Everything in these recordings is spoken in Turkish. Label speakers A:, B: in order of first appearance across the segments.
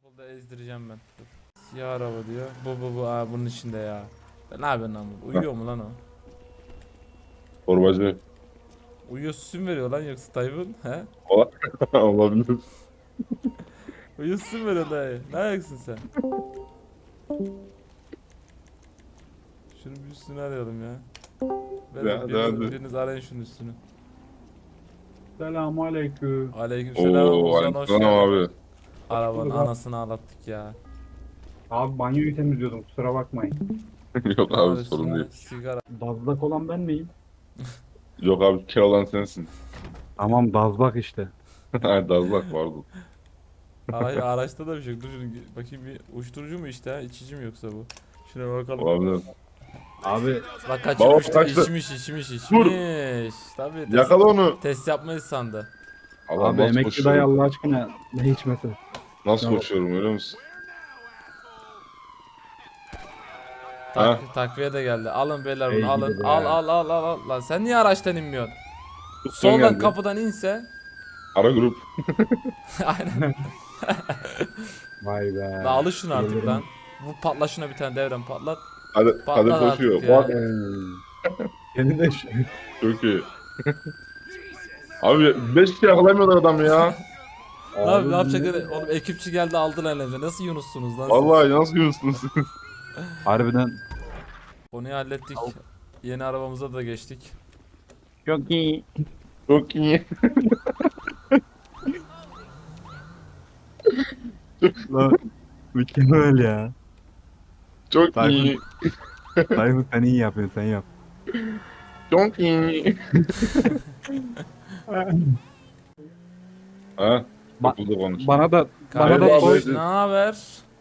A: Burada ezdireceğim ben. Dur. Siyah araba diyor. Bu. Aa, bunun içinde ya. Ne yapıyorsun lan bu? Uyuyor mu lan o?
B: Torbacı.
A: Uyuyor süsün veriyor lan yoksa Tayfun. He?
B: Olabilir.
A: Uyuyor süsün veriyor dayı. Ne ayaksın sen? Şunu bir üstünü arayalım ya. Biriniz arayın şunun üstünü.
C: Selamun aleyküm.
A: Aleykümselam.
B: Oo,
A: Ozan hoş
B: aleykümselam
A: geldin.
B: abi.
A: Arabanın anasını ağlattık ya.
C: Abi banyoyu temizliyordum, kusura bakmayın.
B: Yok
A: Ne
B: abi
A: var
B: sorun
A: üstüne?
B: değil.
A: Sigara.
C: Dazlak olan ben miyim?
B: Yok abi kel olan sensin.
C: Tamam, dazlak işte.
B: Hayır dazlak pardon.
A: Araçta da bir şey yok. Dur şunu bakayım, bir uyuşturucu mu işte ha? İçici mi yoksa bu? Şuna bakalım.
B: Olabilir.
C: Abi
A: Bak
B: Baba
A: kaçırmıştı.
B: kaçtı.
A: İçmiş.
B: Dur.
A: Tabii
B: Yakala onu.
A: test yapmayı sandı.
B: Allah
C: abi
B: nasıl
C: emekli dayı
B: koşuyorum.
C: Allah aşkına ne içmesi?
B: Nasıl koşuyorum öyle musun? Ha?
A: Takviye de geldi. Alın beyler
C: Ey
A: bunu alın.
C: gidi be.
A: Al. Lan sen niye araçtan inmiyorsun?
B: Tutsun
A: Soldan
B: geldi.
A: kapıdan inse.
B: Ara grup.
A: Aynen.
C: Vay be.
A: Lan alın şunu artık lan. Bu patla şuna bir tane devrem patlat.
B: Hadi
A: Patlar
B: koşuyor.
A: artık ya.
B: Bak
C: Senin de
B: çok iyi. Abi 5 kişi yakalamıyorlar adam ya.
A: Ne yapacak? Oğlum ekipçi geldi aldılar elimize. Nasıl Yunus'sunuz lan siz?
B: Vallahi nasıl görüyorsunuz?
C: harbiden
A: Konuyu hallettik. Yeni arabamıza da geçtik.
C: çok iyi.
B: Çok iyi.
C: Lan mükemmel ya.
B: Çok
C: Tayfun.
B: iyi.
C: Tayfun sen iyi yapıyorsun, sen yap.
B: Çok iyi. Ha?
C: Ba-
B: Okulda konuş.
C: Bana da
A: Kardeş
B: soy-
A: ne haber?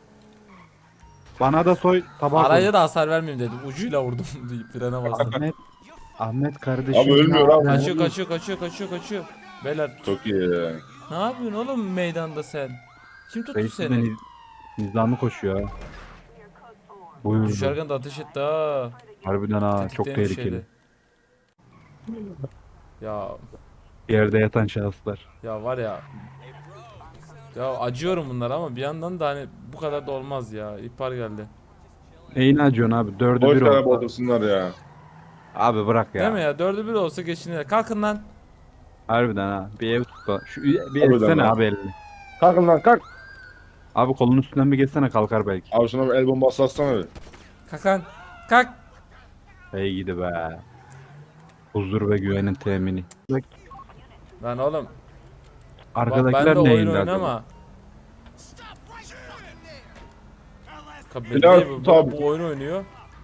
C: tabak.
A: Araya da hasar vermeyeyim dedim. Ucuyla vurdum deyip frene bastım.
C: Ahmet kardeşim.
B: Abi ölmüyor abi.
A: Kaçıyor. Beyler
B: Çok iyi.
A: ne yapıyorsun oğlum meydanda sen? Kim tuttu
C: Reis de
A: seni?
C: nizamı koşuyor ha. Buyurdu.
A: Düşerken de ateş etti ha.
C: Harbiden ha, çok
A: Tetikteymiş
C: tehlikeli.
A: eli. Ya
C: Yerde yatan şahıslar.
A: ya var ya. Ya acıyorum bunlar ama bir yandan da hani bu kadar da olmaz ya. İhbar geldi.
C: Neyini acıyorsun abi? Dördü
B: Boş
C: bir
B: yere
C: oldu.
B: boğdursunlar ya.
C: Abi bırak ya.
A: Değil mi ya? 4'ü 1 olsa geçinir. Kalkın lan.
C: Harbiden ha. Bir ev tut da. Bir
B: Harbiden
C: etsene
B: ha.
C: abi elini.
B: Kalkın lan kalk.
C: Abi kolun üstünden bir geçsene, kalkar belki.
B: Abi şuna bir el bombası atsana bir.
A: Kalk lan. Kalk.
C: Hey gidi be. Huzur ve güvenin temini.
A: Lan oğlum. Ben
C: Arkadakiler
A: de oyun
C: neyindi acaba?
A: oynama.
B: Bilal,
A: Bu,
B: tabii.
A: bu oyun oynuyor.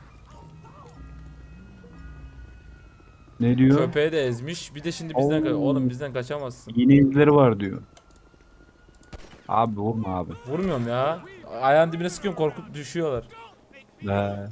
C: Ne diyor?
A: Köpeği de ezmiş. Bir de şimdi bizden
C: Oo.
A: oğlum bizden kaçamazsın.
C: Yeni izleri var diyor. Abi vurma abi.
A: Vurmuyorum ya. Ayağın dibine sıkıyorum, korkup düşüyorlar.
C: He.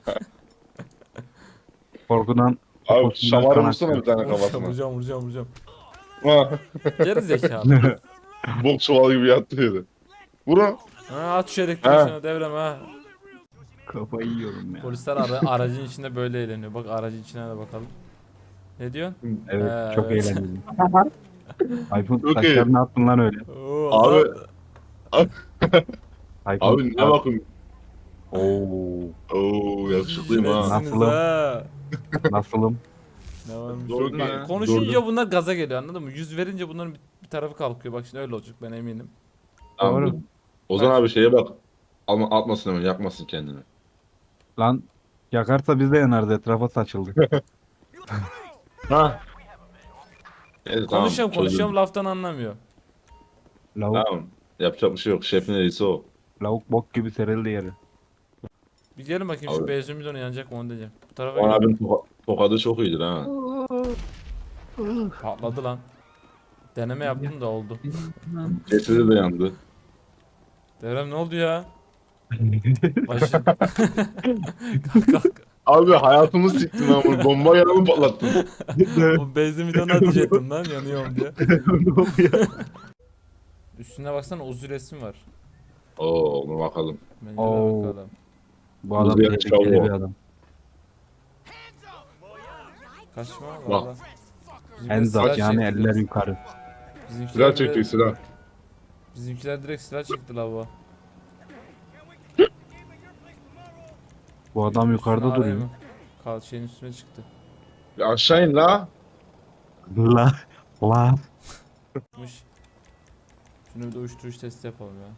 C: Korkudan
B: Abi
C: poposundan
B: şamarı
C: kan
B: vursana bir
C: akıyor.
B: tane kafasına.
A: Vuracağım.
B: Ha,
A: Geri zekalı.
B: bok çuvalı gibi yattı yedi. Vurun.
A: Ha, at şu elektriği devrem ha.
C: Kafayı yiyorum ya.
A: Polisler aracın içinde böyle eğleniyor. Bak aracın içine de bakalım. Ne diyorsun?
C: Evet, çok
A: Evet.
C: eğlenceli. iPhone
B: Çok iyi.
C: saçlarını attın lan öyle.
A: Oo,
B: Abi.
C: iPhone
B: Abi ne bakın.
C: Oo,
B: Oo yakışıklıyım ha.
A: Netsiniz
C: Nasılım?
A: ha.
C: nasılım?
A: Ne varmış?
B: Doğru
A: Bak,
B: ya.
A: konuşunca
B: Doğru.
A: bunlar gaza geliyor, anladın mı? Yüz verince bunların bir tarafı kalkıyor. Bak şimdi öyle olacak, ben eminim.
B: Tamam,
C: Doğru.
B: dur. Ozan abi şeye bak. Atmasın hemen yakmasın kendini.
C: Lan yakarsa biz de yanarız, etrafa saçıldı.
B: Ha. Evet, tamam,
A: Konuşuyorum
B: çözdüm.
A: laftan anlamıyor.
C: Lavuk,
B: Tamam. Yapacak bir şey yok. Şefin reisi o.
C: lavuk bok gibi serildi yeri.
A: Bir gelin bakayım şu
B: Abi.
A: benzin bidonu yanacak mı onu diyeceğim. Bu tarafa
B: Ozan
A: gel.
B: abinin tokadı çok iyidir ha.
A: Patladı lan. Deneme yaptım da oldu.
B: Cesedi de yandı.
A: Devrem ne oldu ya? Başı... Kalk.
B: Abi hayatımı siktin ha bunu. Bomba yanımı patlattın.
A: O benzin bidonu ateş ettim lan, yanıyorum diye. Üstüne baksana, uzun resim var.
B: Oo ona bakalım.
A: Bence de
C: Oo.
A: bakalım.
C: Bu adam
B: Uzaya
C: tehlikeli
B: çavuğu.
C: bir adam.
A: Kaçma
B: Bak.
A: valla.
C: En zat yani, eller yukarı.
B: Silah çekti silah.
A: Bizimkiler direkt silah çekti la bu.
C: Bu adam yukarıda
A: Şunu arayayım
C: duruyor.
A: mı? Kal şeyin üstüne çıktı.
B: Bir aşağı in la.
C: La. La.
A: Mış. Şunu bir de uyuşturucu testi yapalım ya.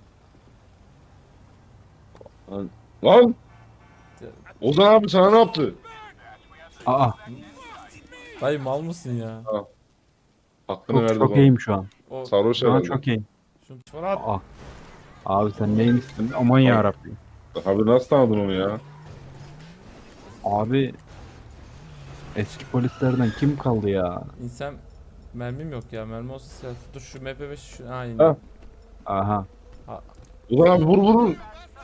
B: Lan. Ozan abi sana ne yaptı?
C: Aa.
A: Dayı mal mısın ya?
B: Hakkını
C: Çok
B: verdi
C: çok
B: bana.
C: iyiyim şu an.
A: O
B: Sarhoş
C: Şu an
B: herhalde.
C: çok iyiyim.
A: şunu çabuk at.
C: Aa. Abi sen neymişsin? Aman yarabbim.
B: Abi nasıl tanıdın onu ya?
C: Abi eski polislerden kim kaldı ya?
A: İnsan mermim yok ya. Mermi olsa silah. Dur şu MP5 şu. Ha indi.
B: Ha.
C: Aha.
B: Ozan abi vur.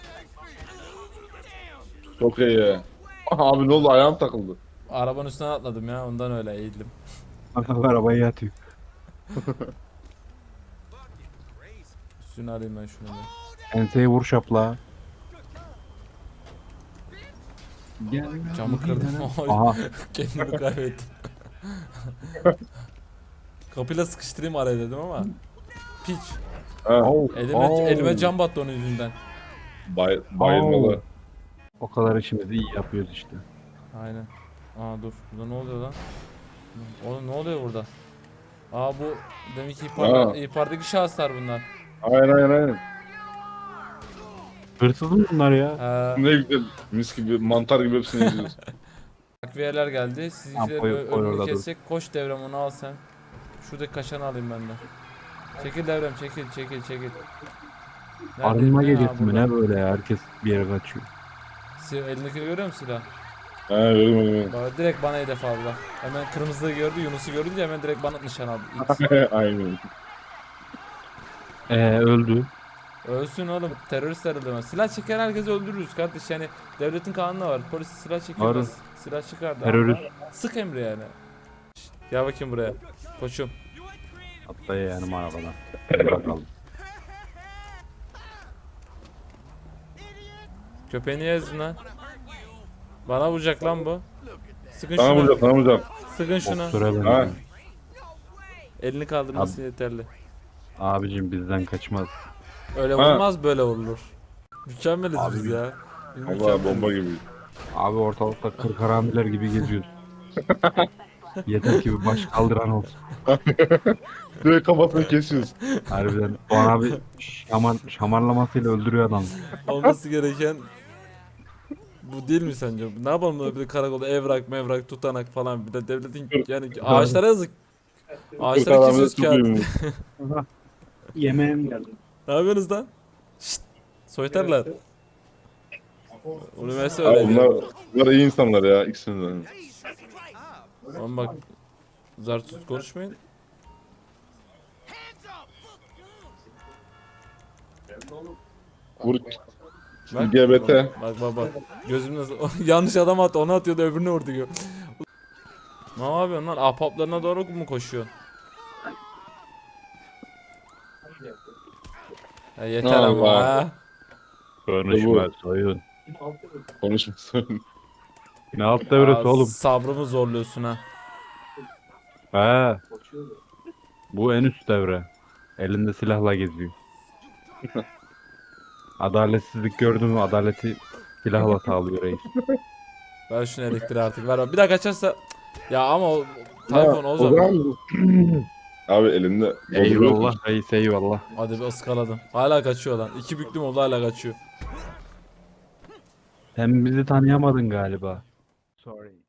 B: Çok iyi ya. Abi ne oldu ayağım takıldı.
A: Arabanın üstüne atladım ya. Ondan öyle eğildim.
C: Arabayı yatıyor.
A: Üstünü alayım ben şunu da.
C: Enseye vur şapla. Gel.
A: Camı kırdım.
C: Aha.
A: Kendimi kaybettim. Kapıyla sıkıştırayım araya dedim ama. Piç.
B: Ha.
A: Elime cam battı onun yüzünden.
B: Bayılmalı.
C: O kadar işimizi iyi yapıyoruz işte.
A: Aynen. Aa dur. Burada ne oluyor lan? Oğlum ne oluyor burada? Aa bu demek ki
B: Aa.
A: ihbardaki şahıslar bunlar.
B: Aynen.
C: Hırsız mı bunlar ya?
B: Ne güzel. Mis gibi mantar gibi hepsini yiyoruz.
A: Takviyeler geldi. Sizinkilerin
C: koy
A: önünü
C: orada dur.
A: kessek. Koş devrem onu al sen. Şuradaki kaşanı alayım ben de. Çekil devrem çekil. Nerede?
C: Arınma
A: Ne? Ha,
C: gecesi mi
A: burada.
C: ne böyle ya? Herkes bir yere kaçıyor.
A: Elindekini görüyor musun silah?
B: He verim.
A: Bak, direkt bana hedef aldı bak. Hemen kırmızıda gördü, Yunus'u görünce hemen direkt bana nişan aldı. İt.
B: Aynen.
C: Öldü.
A: Ölsün oğlum, teröristler öldürmez. Silah çeken herkesi öldürürüz kardeş, yani devletin kanunu var. Polis silah çekemez. Silah çıkardı.
C: Terörist.
A: Sık emri yani. Şşt, gel bakayım buraya. Koçum.
C: Hatta yani arabadan. Hadi bakalım.
A: Köpeğini ezdin lan. Bana vuracak lan bu. Sıkın
B: Sana
A: şuna.
B: vuracağım.
A: Sıkın şuna.
C: Boktura
B: Ha.
C: benziyor.
A: Elini kaldırması yeterli.
C: Abicim bizden kaçmaz.
A: Öyle
B: Ha.
A: vurmaz, böyle vurulur. Mükemmeliz
C: Abi.
A: biz ya. Biz
B: Allah
A: mükemmeliz.
B: bomba gibi.
C: Abi ortalıkta kırkaramiler gibi geziyoruz. Yeter ki bir baş kaldıran olsun.
B: Direkt kafasını kesiyoruz.
C: Harbiden Doğan abi şamarlamasıyla öldürüyor adam.
A: Olması gereken bu değil mi sence? Ne yapalım böyle bir de karakolda evrak mevrak tutanak falan, bir de devletin yani ağaçlara yazık. Ağaçlara kesiyoruz kağıt.
C: Yemeğim geldi.
A: Ne yapıyorsunuz lan? Şşt. Soytarlar. Üniversite
B: Abi
A: öğrencileri.
B: bunlar iyi insanlar ya ikisinden.
A: Ama bak, zar tut konuşmayın.
B: Vur.
A: Bak,
B: LGBT.
A: bak. Gözüm nasıl yanlış adam attı, onu atıyordu, öbürünü vurdu. Ne yapıyorsun lan? Ahbaplarına doğru mu koşuyorsun? Ya yeter ama
B: Allah.
A: ha.
C: Konuşma soyun.
B: Konuşmasın.
C: Ne alt devresi
A: Aa,
C: oğlum?
A: sabrımı zorluyorsun ha.
C: He. Bu en üst devre. Elinde silahla geziyor. Adaletsizlik gördün mü? Adaleti silahla sağlıyor reis.
A: Ver şunu elektriği artık, ver. Bir daha kaçarsa ya ama o Tayfun o zaman.
B: zaman. Abi elinde.
C: Eyvallah reis eyvallah.
A: Hadi bir ıskaladım. Hala kaçıyor lan. 2 büklüm oldu, hala kaçıyor.
C: Sen bizi tanıyamadın galiba. Sorry.